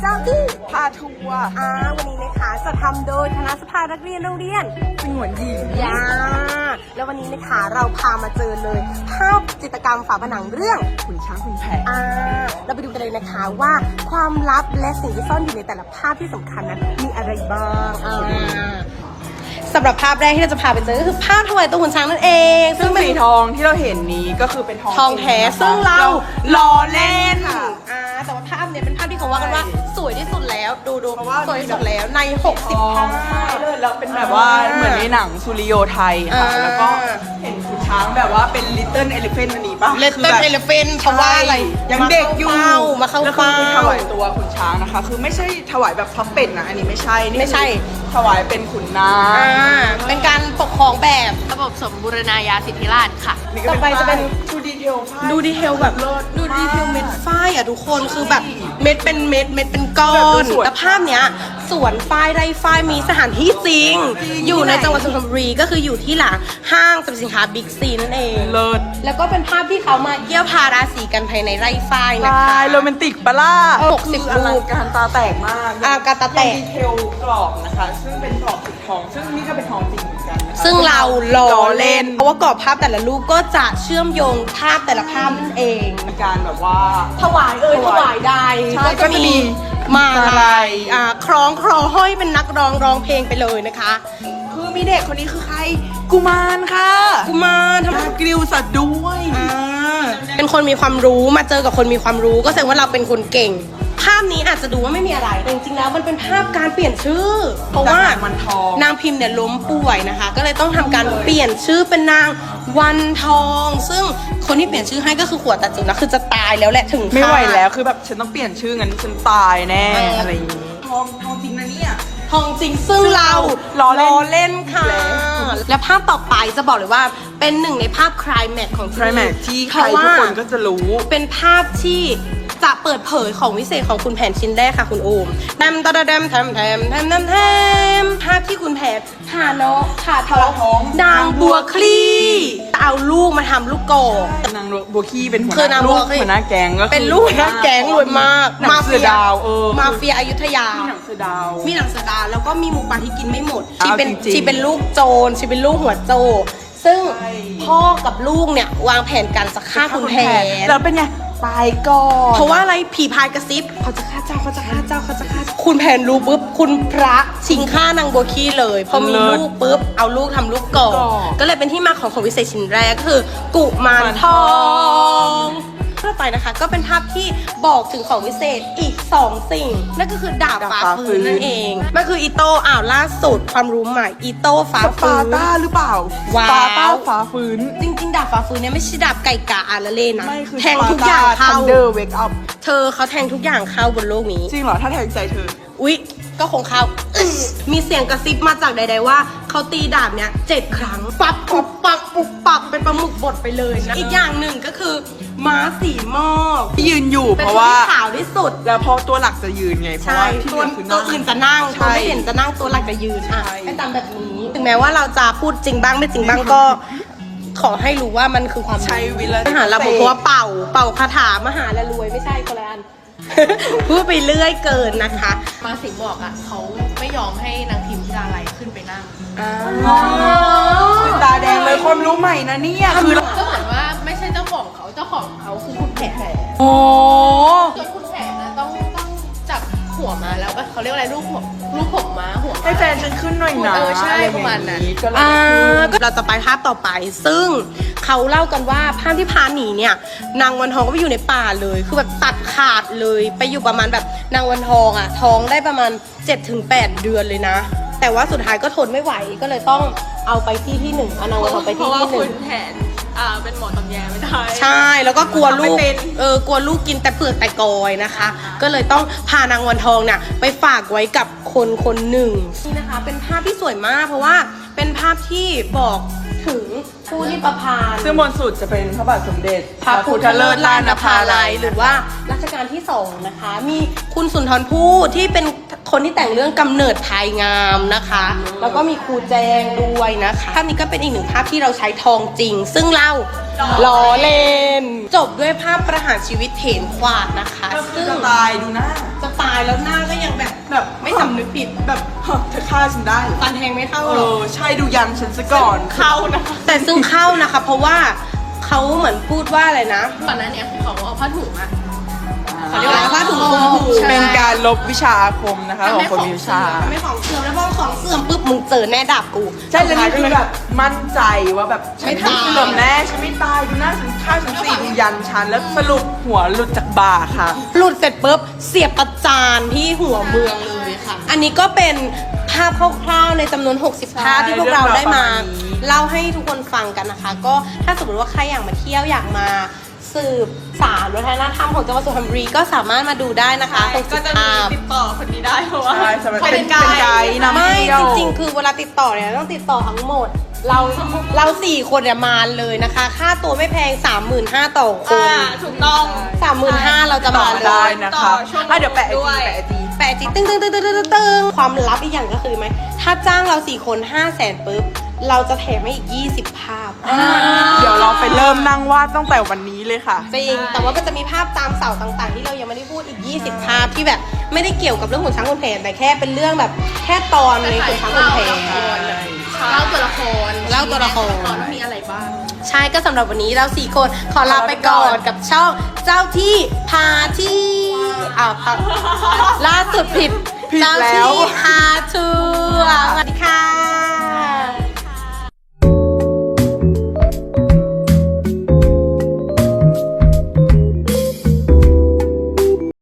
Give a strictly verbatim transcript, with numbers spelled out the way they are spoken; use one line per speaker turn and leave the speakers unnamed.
เจ้าที่
พาทัวร์
อ่าวันนี้นะคะจะทำโดยคณะสภานักเรียนโรงเรียน
สงวนหญิง
ยาแล้ววันนี้นะคะเราพามาเจอเลยภาพจิตรกรรมฝาผนังเรื่อง
ขุนช้างขุนแผน
อ่าเราไปดูกันเลยนะคะว่าความลับและสิ่งที่ซ่อนอยู่ในแต่ละภาพที่สำคัญนั้นมีอะไรบ้างอ่าสำหรับภาพแรกที่เราจะพาไปเจอก็คือภาพถวายตัวขุนช้างนั่นเอง
ซึ่งสีทองที่เราเห็นนี้ก็คือเป็นทอง
ทองแท้ซึ่งเรา
ล้อเล่น
ค่ะอ่าแต่ว่าภาพเนี้ยเป็นภาพที่เขาว่ากันว่าสวยที่สุดแล้วดูดูสวยที่สุดแล้วในหกสิบภาพ
เลยแล้วเป็นแบบว่าเหมือนในหนังสุริโยไทยค่ะแล้วก็เห็นขุนช้างแบบว่าเป็น Little Elephant อันนี้ป่ะ
Little Elephant เพราะว่าอะไร
ยังเด็กอยู่
มาเข้า
เฝ้าถวายตัวขุนช้างนะคะคือไม่ใช่ถวายแบบพับเป็ดนะอันนี้ไม่ใช่นี่
ไม่ใช่
ถวายเป็นขุนนาง
เป็นการปกครองแบบ
ระบบสมบูรณาญาสิทธิราชค่ะ
ต่อไปจะเป็น
ดูดีเทล
ดูดีเทลแบบดูดีเทลเม็ดฝ้ายอ่ะทุกคนคือแบบเม็ดเป็นเม็ดเม็ดเป็นก้อนแต่ภาพเนี้ยสวนฝ้ายไร่ฝ้ายมีสถานที่จริงอยู่ในจังหวัดสุพรรณบุรีก็คืออยู่ที่หลังห้างสรรพสินค้าบิ๊กซีนั่นเอง
เลิศ
แล้วก็เป็นภาพที่เขามาเยี่ยวพาราสีกันภายในไร่ฝ้ายนะคะ
โรแมนติกปะล่ะ
หกสิบรูป
การตาแตกมาก
อ่าการตาแตก
ดีเทลกรอบนะคะซึ่งเป็นกรอบสีทองซึ่งนี่ก็เป็นทองจริงเหมือนกัน
ซึ่งเราล้อเล่นเพราะว่ากรอบภาพแต่ละรูปก็จะเชื่อมโยงภาพแต่ละภาพนั่นเอง
มีการแบบว่า
ถวายเอ่ยถวายได้ก็จะมีมาอะไรอ่าคล้องคลอห้อยเป็นนักร้องร้องเพลงไปเลยนะคะ
คือมีเด็กคนนี้คือใครกุมารค่ะ
กุมารท
ำกริวสัตว์ด้วย
อ่าเป็นคนมีความรู้มาเจอกับคนมีความรู้ก็แสดงว่าเราเป็นคนเก่งภาพนี้อาจจะดูว่าไม่มีอะไรแต่จริงๆแล้วมันเป็นภาพการเปลี่ยนชื่อเพราะว่านางพิมพ์เนี่ยล้มป่วยนะคะก็เลยต้องทำการเปลี่ยนชื่อเป็นนางวันทองซึ่งคนที่เปลี่ยนชื่อให้ก็คือขวดตัดจุนะคือจะตายแล้วแหละถึง
ไม่ไหวแล้วคือแบบฉันต้องเปลี่ยนชื่องั้นฉันตายแน่อะไรอย่างงี้ทองทองจริงนะเนี่ย
ทองจริงซึ่งเราล้อเล่นค่ะและภาพต่อไปจะบอกเลยว่าเป็นหนึ่งในภาพคลายแม็กของ
คลายแม็กที่ใครทุกคนก็จะรู้
เป็นภาพที่จะเปิดเผยของวิเศษของคุณแผนชิ้นแรกค่ะคุณโอมแทมตะแทมแทมแทมแทมแทมแทมภาพที่คุณแผนผ่าน้องผ่าท้องนางบัวคลี่เอาลูกมาทำลูกกอก
นางบัวคลี่เป็นหัวหน้าลูกหัวหน้าแก๊งก็
เป็นลูกหัวหน้าแก๊งรวยมาก
มาเฟียดาวเออ
มาเฟียอยุธยา
มีหนังเสือดาว
มีหนังเสือดาวแล้วก็มีหมูป่าที่กินไม่หมดที่เป็นที่เป็นลูกโจรที่เป็นลูกหัวโจซึ่งพ่อกับลูกเนี่ยวางแผนการจะฆ่าคุณแผน
แล้วเป็นไงตายก่อน
เพราะว่าอะไรผีพายกระซิบเขาจะฆ่าเจ้าเขาจะฆ่าเจ้าเขาจะฆ่าคุณแผนรู้ปุ๊บคุณพระชิงฆ่านางโบคีเลยพอมีลูกปุ๊บเอาลูกทำลูกก่อก็เลยเป็นที่มาของของวิเศษชิ้นแรกก็คือกุมารทองต่อไปนะคะก็เป็นภาพที่บอกถึงของวิเศษอีกสองสิ่งนั่นก็คือดาบฟ้าฟื้นนั่นเองมันคืออีโต้อ้าวล่าสุดความรู้ใหม่อีโต้ฟ้าฟื้น
สปาต้าหรือเปล่า
ว้าว
สปาต้าฟ้าฟื้น
จริงๆดาบฟ้าฟื้นเนี่ยไม่ใช่ดาบไก่กาอาราเล่นะแทงทุกอย่างเข้า
Thunder Wake Up
เธอเขาแทงทุกอย่างเข้าบนโลกนี้
จริงเหรอถ้าแทงใจเธอ
อุ๊ยก็คงเข้ามีเสียงกระซิบมาจากใดๆว่าเขาตีดาบเนี่ยเจ็ดครั้งปับปุบปักปุบปักเป็นปลาหมึกบดไปเลยนะอีกอย่างหนึ่งก็คือม้าสีหมอก
ที่ยืนอยู่เพราะว่า
ขาวที่สุด
แล้วพอตัวหลักจะยืนไงเพราะว่า
ตัวตัวอื่นจะนั่งตัวไม่เห็นจะนั่งตัวหลักจะยืนอ่ะเป็นตามแบบนี้ถึงแม้ว่าเราจะพูดจริงบ้างไม่จริงบ้างก็ขอให้รู้ว่ามันคือความ
ใช้วิล
มหาเราบอกว่าเป่าเป่าคาถามหาและรวยไม่ใช่คนละอันพูดไปเรื่อยเกินนะคะ
มาสิงบอกอ่ะเขาไม่ยอมให้นางพิมพ์ดาไลขึ้นไปนั่ง
ตาแดงเลยความรู้ใหม่นะเนี่ย
คือก็เหมือนว่าไม่ใช่เจ้าของเขาเจ้าของเขาคือคุณแผน
โอ้
จนคุณแผนนะต้องต้องจับหัวมาแล้วก็เขาเรียกอะไรลูกหัวลูกผมม้าหัว
ให้แฟนฉันขึ้นหน่อยนะ
เออใช่ประมาณนั้น
อ่าเราจะไปภาพต่อไปซึ่งเขาเล่ากันว่าภาพที่พาหนีเนี่ยนางวันทองก็ไปอยู่ในป่าเลยคือแบบตัดขาดเลยไปอยู่ประมาณแบบนางวันทองอ่ะท้องได้ประมาณ เจ็ดถึงแปด เดือนเลยนะแต่ว่าสุดท้ายก็ทนไม่ไหวก็เลยต้องเอาไปที่ที่หนึ่งเอานางวันทองไปที่ที่หนึ่ง
คุณแผนอ่าเป็นหมอตำแยไม่ได้
ใช่แล้วก็กลัวลูกเออกลัวลูกกินแต่เปลือกแต่กอยนะคะก็เลยต้องพานางวันทองเนี่ยไปฝากไว้กับคนคนหนึ่งนี่นะคะเป็นภาพที่สวยมากเพราะว่าเป็นภาพที่บอกถึงผู้ที่ประพันธ์
ซึ่งบนสุดจะเป็นพระบาทสมเด็จ
พระพุทธเลิศล้านภาลัยหรือว่ารัชกาลที่สองนะคะมีคุณสุนทรภู่ที่เป็นคนที่แต่งเรื่องกำเนิดภายงามนะคะแล้วก็มีครูแจงด้วยนะคะภาพนี้ก็เป็นอีกหนึ่งภาพที่เราใช้ทองจริงซึ่งเราล้อเล่น จบด้วยภาพประหารชีวิตเถนขวาดนะคะ
ก็คือ
ซึ่ง
จะตายดูหน้า
จะตายแล้วหน้าก็ยังแบบ
แบบ
ไม่สำนึกผิด
แบบเฮ้ยเธอฆ่าฉันได้
ฟันแทงไม่เข้า
เอ
หรอก
อใช่ดูยันฉันซะก่อน
เข้านะคะ แต่ซึ่งเข้านะคะ เพราะว่าเขาเหมือนพูดว่าอะไรนะ
ก่อนหน้านี้คือเขาเอาผ้าถุงอะ
เขาเรียกว่าอะไรผ้าถุงคลุมหู
เป็นการลบวิชาอาคมนะคะของคนมีวิชา
ทำให้ของเสื่อมแล้วพอของเสื่อมปุ๊บมึงเจอแน่ดาบกู
ใช่แล้วนี่คือแบบมั่นใจว่าแบบฉัน
ไม่ตาย
เสื่อมแน่ฉันไม่ตายดูหน้าฉันฆ่าฉันสี่ดูยันฉันแล้วสรุปหัวหลุดจากบ่าค่ะ
หลุดเสร็จปุ๊บเสียบประจานที่หัวเมืองเลยค่ะ อันนี้ก็เป็นภาพคร่าวๆในจำนวน หกสิบ ภาพที่พวกเราได้มา
เรื่องราวประมาณนี้
เล่าให้ทุกคนฟังกันนะคะ ก็ถ้าสมมติว่าใครอยากมาเที่ยวอยากมาสืบสานวัฒนธรรมของจังหวัดสุพรรณบุรีก็สามารถมาดูได้นะคะหกสิบภาพ
ติดต่อคนนี้ได้เพราะว่า
ใช่สำหรับ
เขา
เป็
เป็น น
ไก
ไก
ด์
ด์
นำ
ไม่
เที่ยว
จริงๆ คือเวลาติดต่อเนี่ยต้องติดต่อทั้งหมด เราเราสี่คนเนี่ยมาเลยนะคะ ค่าตัวไม่แพง สามหมื่นห้าพัน ต่อคน
อ่าถูกต้อง
สามหมื่นห้าเราจะ
ต่
มา
อ
เลย
ได้นะคะ
ต่อช่วง
อ่ะเดี๋ยวแปะไอ
ด้
จี
วย
แปะไอจี
แปะจิตึ้งตึ้งตึ้งตึ้งตึ้งตึ้งตึ้งความลับอีกอย่างก็คือไหม ถ้าจ้างเราสี่คนห้าแสนปุ๊บ เราจะแถมให้อีกยี่สิบภาพ
เดี๋ยวเราไปเริ่มนั่งวาดตั้งแต่วันนี้เลยค่ะ
จริง แต่ว่าก็จะมีภาพตามเสาต่างๆ ที่เรายังไม่ได้พูดอีก ยี่สิบ ภาพที่แบบไม่ได้เกี่ยวกับเรื่องขุนช้างขุนแผนแต่แค่เป็นเรื่องแบบแค่ตอนในขุนช้างขุนแผน
เล่าตัวละคร
เล่าตัวละคร
ว่ามีอะไรบ้าง
ใช่ก็สำหรับวันนี้เราสี่คนขอลาไปก่อนกับช่องเจ้าที่พาที่อ่าพาล่าสุดผิด
ผิด
เจ้า
แล้ว
ที่พา